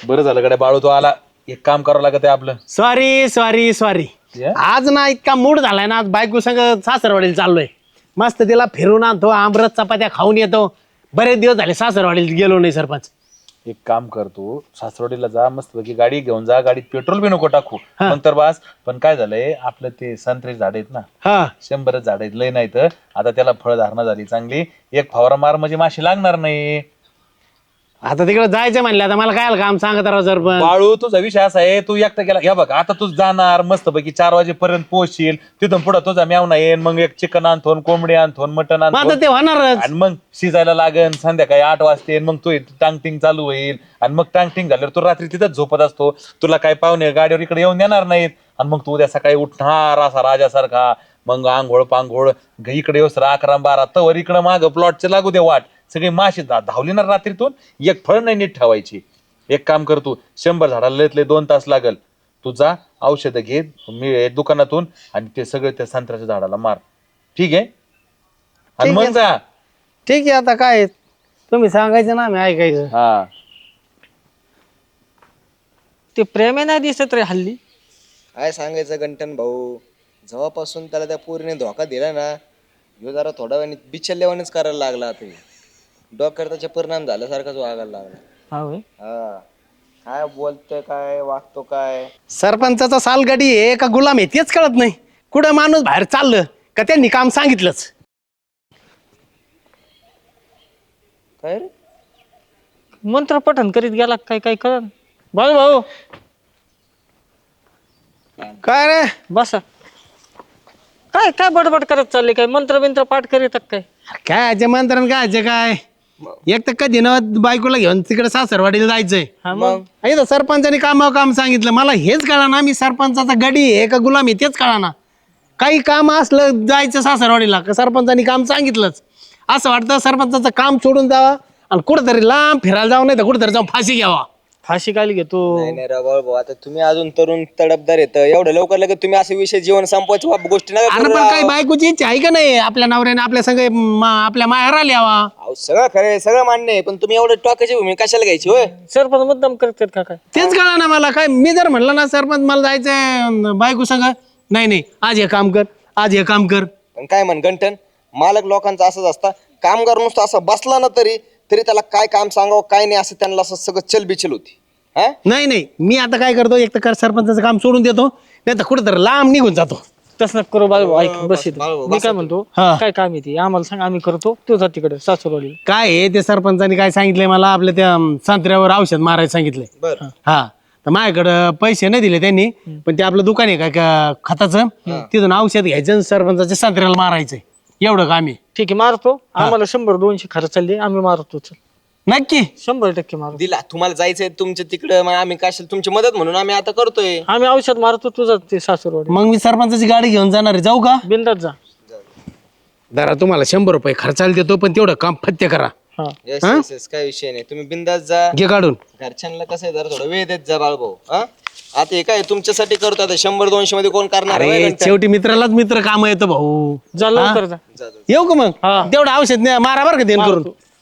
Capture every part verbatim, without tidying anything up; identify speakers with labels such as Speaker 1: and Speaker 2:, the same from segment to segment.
Speaker 1: बरं झालं कडे बाळू तो आला. एक काम करावं लागत आहे आपलं.
Speaker 2: सॉरी सॉरी सॉरी आज ना इतका मूड झालाय ना, आज बायको संग सासरवाडीला चाललोय. मस्त तिला फिरून आणतो, आमरस चपात्या खाऊन येतो. बरेच दिवस झाले सासरवाडीला गेलो नाही सरपंच.
Speaker 1: एक काम करतो, सासरवाडीला जा, मस्त पैकी गाडी घेऊन जा. गाडीत पेट्रोल बी नको टाकू नंतर बास. पण काय झालंय आपलं ते संत्री झाड आहेत ना,
Speaker 2: हा
Speaker 1: शंभरच झाड आहेत, लय नाही तर आता त्याला फळधारणा झाली चांगली. एक फवारा मार म्हणजे माशी लागणार नाही.
Speaker 2: आता तिकडे जायचं म्हणलं, आता मला काय काम सांगत राहा सरपंच.
Speaker 1: बाळू तुझा विषय असा आहे, तू एकटा गेला. हे बघ आता तू जाणार मस्तपैकी चार वाजेपर्यंत पोहोचशील. तिथून पुढे तुझा मेवना येईन, मग एक चिकन आणतो, कोंबडी आणतो, मटण
Speaker 2: मग आता
Speaker 1: आणतो,
Speaker 2: ते होणारच.
Speaker 1: आणि मग शिजायला लागेल संध्याकाळी आठ वाजते. मग तू टांगटिंग चालू होईल, आणि मग टांगटिंग झाल्यावर तू रात्री तिथंच झोपत असतो. तुला काय पाहुणे गाडीवर इकडे येऊन देणार नाहीत. आणि मग तू उद्या सकाळी उठणार असा राजासारखा, मग आंघोळ पांघोळ इकडे येऊस अकरा बारा तवर इकडं माग प्लॉटचे लागू दे वाट. सगळी माशी धावली ना रात्रीतून, एक फळ नाही नीट ठेवायची. एक काम कर, तू शंभर झाडाला लयतले दोन तास लागल. तू जा औषधं घे मी दुकानातून, आणि ते सगळे त्या संत्र्याच्या झाडाला मार. ठीक आहे? आणि
Speaker 2: ठीक
Speaker 1: मग
Speaker 2: आहे.
Speaker 1: जा.
Speaker 2: ठीक आहे, आता काय तुम्ही सांगायचं ना, मी ऐकायचं.
Speaker 1: हा
Speaker 3: ते प्रेम नाही दिसत रे हल्ली.
Speaker 4: काय सांगायचं गंटन भाऊ, जेव्हापासून त्याला त्या पोरीने धोका दिला ना, ह्यो जरा थोड्या वेळाने बिचलल्यावानेच करायला लागला. आता डोक्यावर त्याचे परिणाम झाल्यासारखाच वागायला लागला.
Speaker 3: हा होय.
Speaker 4: हा काय बोलतोय, काय वागतो काय.
Speaker 2: सरपंचाचा सालगाडी आहे का गुलाम आहे तेच कळत नाही. कुठं माणूस बाहेर चाललं का त्यांनी काम सांगितलंच.
Speaker 4: काय रे
Speaker 3: मंत्र पठण करीत गेला काय काय कळ. बाळू भाऊ
Speaker 2: काय रे,
Speaker 3: बसा. काय काय बडबड करत चालले, काय मंत्र बिंत्र पाठ करीत काय.
Speaker 2: काय अजय मंत्रण काय अजय काय. एक तर कधी ना बायकोला घेऊन तिकडे सासरवाडीला जायचंय.
Speaker 3: हा मग
Speaker 2: इथं सरपंचाने कामावर काम सांगितलं. मला हेच कळा ना, मी सरपंचाचा गडी आहे का गुलाम आहे तेच कळा ना. काही काम असलं जायचं सासरवाडीला का सरपंचानी काम सांगितलंच. असं वाटतं सरपंचाचं काम सोडून जावा आणि कुठेतरी लांब फिरायला जाऊ, नाही तर कुठेतरी जाऊन फाशी घ्यावा.
Speaker 3: फाशी काय घेतो.
Speaker 4: नाही नाही राव भाऊ, आता तुम्ही अजून तरुण तडपदार येत, एवढं लवकर लगेच तुम्ही असे विषय जीवन संपवायची बाब गोष्टी नका
Speaker 2: अरे
Speaker 4: करू
Speaker 2: पण
Speaker 4: राव.
Speaker 2: काही बायकोची इच्छा आहे का नाही आपल्या नवऱ्याने आपल्या संग आपल्या माहेराला यावा.
Speaker 4: अहो, सगळं खरं सगळं मान्य आहे, पण तुम्ही एवढं टोकाची भूमिका कशाला घ्यायची होय.
Speaker 3: सरपंच मुद्दाम करतात का काय.
Speaker 2: तेच कळा ना मला. काय मी जर म्हणलं ना सरपंच मला जायचंय बायको संग, नाही नाही आज हे काम कर, आज हे काम कर.
Speaker 4: पण काय म्हण गंटन, मालक लोकांचा असंच असता. कामगार नुसतं असं बसला ना तरी तरी त्याला काय काम सांगावं काय नाही असं त्यांना असं सगळं चलबिचल होती. हा
Speaker 2: नाही नाही मी आता काय करतो, एक तर कर सरपंचाचं काम सोडून देतो, नाही तर कुठेतरी लांब निघून जातो.
Speaker 3: तसं नका करू बाळू. ऐक बस इथं.
Speaker 4: बाळू,
Speaker 3: मी काय म्हणतो,
Speaker 2: हा.
Speaker 3: काय काम येते आम्हाला सांग, आम्ही करतो. तू जा तिकडे सासूरवाडी.
Speaker 2: काय आहे ते सरपंचाने काय सांगितलंय मला, आपल्या त्या अं, संत्र्यावर औषध मारायला सांगितलंय.
Speaker 4: बरं
Speaker 2: हा तर माझ्याकडं पैसे नाही दिले त्यांनी, पण ते आपलं दुकान आहे काय का खताचं, तिथून औषध घ्यायचं आणि सरपंचाच्या संत्र्याला मारायचंय. एवढं काम आहे.
Speaker 3: ठीक आहे मारतो. आम्हाला शंभर दोनशे खर्च चालले, आम्ही मारतो. चल
Speaker 2: नक्की
Speaker 3: शंभर टक्के मारतो.
Speaker 4: दिला तुम्हाला जायचंय तुमच्या तिकडं, मग आम्ही कशाला तुमची मदत म्हणून आम्ही आता करतोय.
Speaker 3: आम्ही औषध मारतो, तुझं ते सासूरवाडी.
Speaker 2: मग मी सरपंचाची गाडी घेऊन जाणार आहे, जाऊ का?
Speaker 3: बिंदात जा.
Speaker 2: जरा तुम्हाला शंभर रुपये खर्चाला देतो, पण तेवढं काम फत्य करा.
Speaker 3: हा
Speaker 4: येस येस येस, काय विषय नाही, तुम्ही बिंदास जा.
Speaker 2: घे काढून.
Speaker 4: घरच्यांना कसं आहे जरा थोडं वेळ देत जा बाळभाऊ. हा आता हे काय तुमच्यासाठी करतो, आता शंभर दोनशे मध्ये कोण करणार आहे, होय
Speaker 2: अरे
Speaker 4: गंटन?
Speaker 2: शेवटी मित्रालाच मित्र काम येतं भाऊ.
Speaker 3: जा लवकर जा.
Speaker 4: जा, जा.
Speaker 2: येऊ का मग?
Speaker 3: हा.
Speaker 2: तेवढं औषध नाही मारा बरं का देण करून.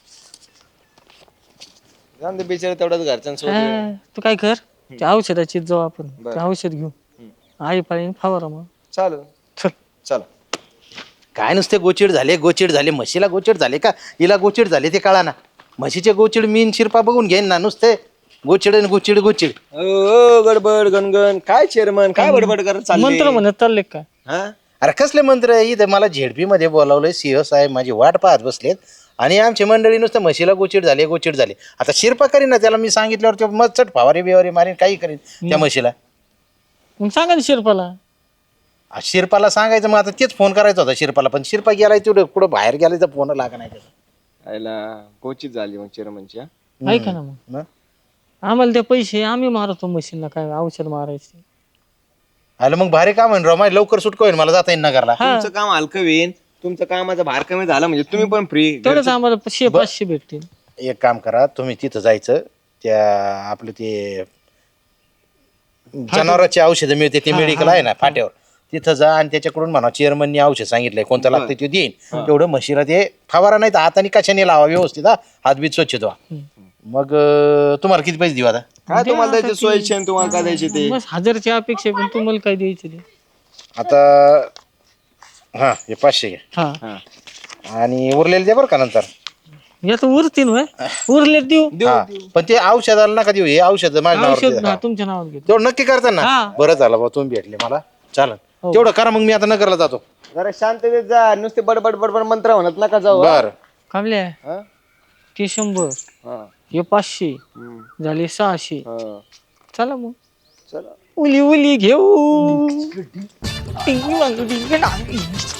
Speaker 4: जाऊन दे बिचारे तेवढंच घरच्यांसोबत.
Speaker 3: हा, तू काय कर, त्या औषधाची जाऊ आपण. ते औषध घेऊ. आई पाळी फवारा मग.
Speaker 4: चालू
Speaker 3: चल.
Speaker 4: चला.
Speaker 5: काय नुसते गोचिड झाले गोचिड झाले म्हशीला गोचिड झाले का हिला गोचिड झाले ते कळा ना. म्हशीचे गोचिड मीन शिरपा बघून घेईन ना, नुसते गोचिड आणि गोचिड गोचिड.
Speaker 4: ओ गडबड गणगण काय चेअरमन काय बडबड करत चालले?
Speaker 3: मंत्र म्हणत चालले काय.
Speaker 4: हा
Speaker 5: अरे कसले मंत्र इथे मला झेडपी मध्ये बोलावलंय, सिंह साहेब माझी वाट पाहत बसलेत आणि आमची मंडळी नुसतं म्हशीला गोचिड झाले गोचिड झाले. आता शिरपा करीन ना, त्याला मी सांगितल्यावर ते मग चट फवारे बिवारे मारीन काही करीन त्या म्हशीला.
Speaker 3: मग सांगा ना शिरपाला.
Speaker 5: आ, शिरपाला सांगायचं मग आता तेच फोन करायचा होता शिरपाला, पण शिरपा गेलाय तेवढं कुठं बाहेर गेलाय तर फोन लागा नाही त्याचा.
Speaker 4: आयला गोचित झाली मग चेअरमनची.
Speaker 3: ऐका ना मग,
Speaker 5: मग?
Speaker 3: आम्हाला ते पैसे आम्ही मारतो मशीनला, काय औषध मारायचे.
Speaker 5: आलं मग भारी काम आहे राव, माझी लवकर सुटका होईल मला जाता येईल नगरला.
Speaker 4: तुमचं काम हलकं होईन, तुमचं कामाचा भार कमी झाला म्हणजे तुम्ही पण फ्री.
Speaker 3: तेवढंच आम्हाला पाचशे पाचशे भेटतील.
Speaker 5: एक काम करा तुम्ही तिथं जायचं, त्या आपलं ते जनावरांची औषधं मिळते ते मेडिकल आहे ना फाट्यावर, तिथं जा आणि त्याच्याकडून म्हणा चेअरमननी औषध सांगितलंय कोणतं लागतं ते देईन. तेवढं म्हशीला ते फवारा नाही तर हाताने कशाने लावा व्यवस्थित, हा हात बीत स्वच्छ धुवा. मग अं, तुम्हाला किती पैसे देऊ आता?
Speaker 4: काय तुम्हाला द्यायची सोयीची आणि तुम्हाला काय द्यायची ते
Speaker 3: बस हजारची अपेक्षा आहे, पण तुम्हाला काय द्यायचं ते
Speaker 5: आता हा हे पाचशे घ्या
Speaker 3: हा
Speaker 5: आणि उरलेले द्या बरं का नंतर.
Speaker 3: याचं उरतील होय उरले देऊ
Speaker 5: हा, पण ते औषधाला नका देऊ, हे औषध माझ्या नावावर
Speaker 3: औषध
Speaker 5: द्या.
Speaker 3: हा, तुमच्या नावात घेतो
Speaker 5: तेवढं नक्की करता ना.
Speaker 3: हा.
Speaker 5: बरं झालं बा तुम्ही भेटले मला. चालन तेवढं करा, मग मी आता नगरला जातो.
Speaker 4: जरा शांततेत जा, नुसते बडबड बडबड मंत्र म्हणत नका जाऊ हा?
Speaker 5: बर
Speaker 3: कामल्या
Speaker 4: हा?
Speaker 3: ते शंभर
Speaker 4: हा.
Speaker 3: हे पाचशे
Speaker 4: हम्म.
Speaker 3: झाले सहाशे
Speaker 4: हा.
Speaker 3: चला मग
Speaker 4: चला
Speaker 3: उली उली घेऊ टिंगी वांगी टिंगी डांगी.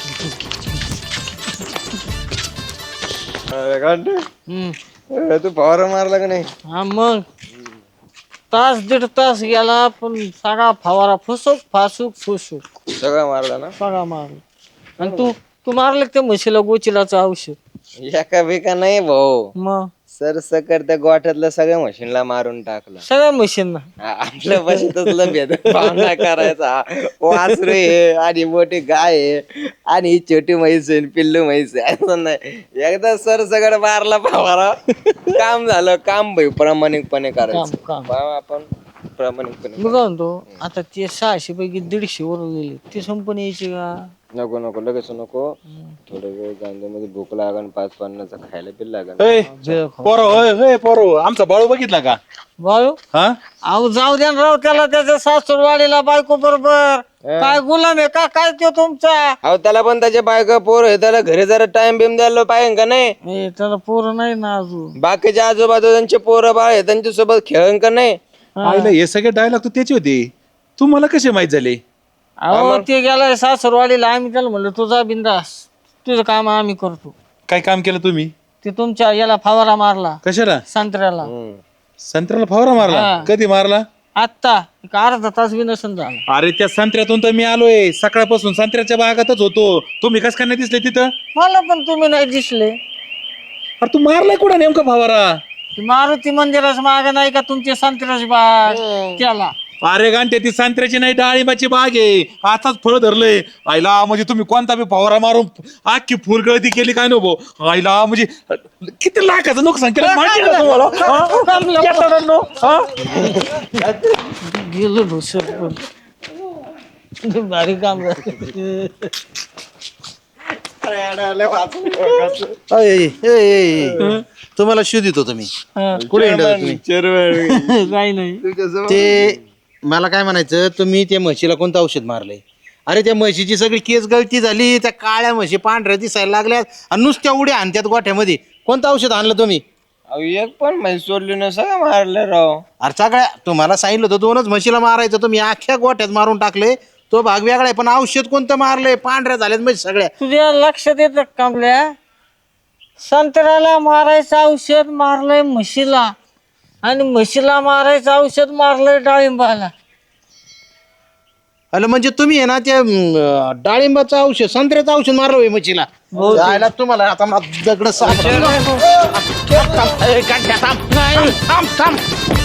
Speaker 4: अरे गांडे,
Speaker 3: हम्म.
Speaker 4: अरे तू फवारा मारला का नाही?
Speaker 3: हा मग तास दीड तास गेला पण सगळा फवारा फुसूक फासूक फुसूक
Speaker 4: सगळं मारला ना?
Speaker 3: सगळा मारला. आणि तू तू मारलं त्या म्हशीला गोचिलाचं औषध
Speaker 4: एका बिका नाही भाऊ,
Speaker 3: मग
Speaker 4: सर सकट त्या गोठ्यातलं सगळ्या मशीनला मारून टाकलं.
Speaker 3: सगळ्या म्हशींना
Speaker 4: आपल्या बशीतच भेदभाव नाही करायचा. वासरू आहे आणि मोठी गाय आहे आणि ही छोटी म्हैस आहे आणि पिल्लू म्हैस आहे असं नाही. एकदा सर सगळं मारला फवारा काम झालं. काम भाई प्रामाणिकपणे करायचं.
Speaker 3: काम, काम.
Speaker 4: पहा आपण प्रामाणिकपणे.
Speaker 3: मी काय म्हणतो आता ते सहाशे पैकी दीडशे वर गेले ते संपून यायचे का
Speaker 4: नको नको लगेच नको, थोडं वेळ गांध्यामध्ये भूक लागन, पाच पन्नासचा खायला बिल लागन.
Speaker 1: पोरो होय पोरो, आमचा बाळू बघितला का?
Speaker 3: बाळू
Speaker 1: हा
Speaker 3: अहो जाऊ द्या ना राव त्याला त्याच्या सासूरवाडीला बायको बरोबर काय गुलाम आहे का काय तो तुमचा
Speaker 4: अहो त्याला पण त्याच्या बायका पोर आहे, त्याला घरी जरा टाइम बिम द्यायला पाहिजे का नाही?
Speaker 3: ए, त्याला पोरं नाही ना अजून
Speaker 4: बाकीचे आजूबाजू त्यांचे पोरं बाळ आहे त्यांच्या सोबत खेळन का नाही?
Speaker 1: आईला हे सगळे डायलॉग तर त्याचे होते, तुम्हाला कसे माहित झाले?
Speaker 3: अहो ते गेलाय सासूरवाडीला आम्ही त्याला म्हणलं तुझा बिंदास तुझं काम आम्ही करतो.
Speaker 1: काय काम केलं तुम्ही?
Speaker 3: ते तुमच्या याला फवारा मारला
Speaker 1: कशाला?
Speaker 3: संत्र्याला
Speaker 1: संत्र्याला फवारा मारला?
Speaker 3: हा.
Speaker 1: कधी मारला?
Speaker 3: आत्ता एक अर्धा तास बी नसून झाला.
Speaker 1: अरे त्या संत्र्यातून तर मी आलोय, सकाळपासून संत्र्याच्या बागातच होतो. तुम्ही कस काय नाही दिसले तिथं?
Speaker 3: मला पण तुम्ही नाही दिसले.
Speaker 1: अरे तू मारलाय कुठं नेमका फवारा?
Speaker 3: ती मारुती मंदिराच माग नाही का तुमची संत्र्याची बाग त्याला
Speaker 1: अरे गांठे ती संत्र्याची नाही डाळिंबाची बाग आहे, आताच फळ धरलंय. आईला म्हणजे तुम्ही कोणता बी फवारा मारून अख्खी फुलगळती केली काय नको. आईला म्हणजे किती लाखाचं नुकसान केलं माहिती आहे का तुम्हाला? हा? शेतकऱ्यांनो, हा?
Speaker 3: गेलो ढोसर पण भारी काम झालं.
Speaker 5: अय, अय, अय, अय. तुम्हाला शोध येतो तुम्ही
Speaker 3: हा.
Speaker 5: कुठे हिंडता तुम्ही?
Speaker 3: काही नाही
Speaker 5: ते मला काय म्हणायचं, तुम्ही त्या म्हशीला कोणतं औषध मारलंय? अरे त्या म्हशीची सगळी केस गळती झाली, त्या काळ्या म्हशी पांढऱ्या दिसायला लागल्यात आणि नुसत्या उड्या आणत्यात गोठ्यामध्ये. कोणतं औषध आणलं तुम्ही?
Speaker 4: अहो एक पण म्हैस सोडली ना, सगळं मारलं राव.
Speaker 5: अरे सगळ्या तुम्हाला सांगितलं होतं दोनच म्हशीला मारायचं, तुम्ही अख्ख्या गोठ्यात मारून टाकले. तो भाग वेगळा आहे, पण औषध कोणतं मारलंय? पांढऱ्या झाल्यात म्हशी सगळ्या.
Speaker 3: तुझ्या लक्षात येतं कामल्या संत्र्याला मारायचं औषध मारलंय म्हशीला आणि म्हशीला मारायचं औषध मारलंय डाळिंबाला.
Speaker 5: अरे म्हणजे तुम्ही आहे ना त्या अं, डाळिंबाचं औषध संत्र्याचं औषध मारलं होय म्हशीला. जायला तुम्हाला आता मला दगड साप- थांब, थांब, थांब. ए, गांठ्या, थांब. थांब, थांब.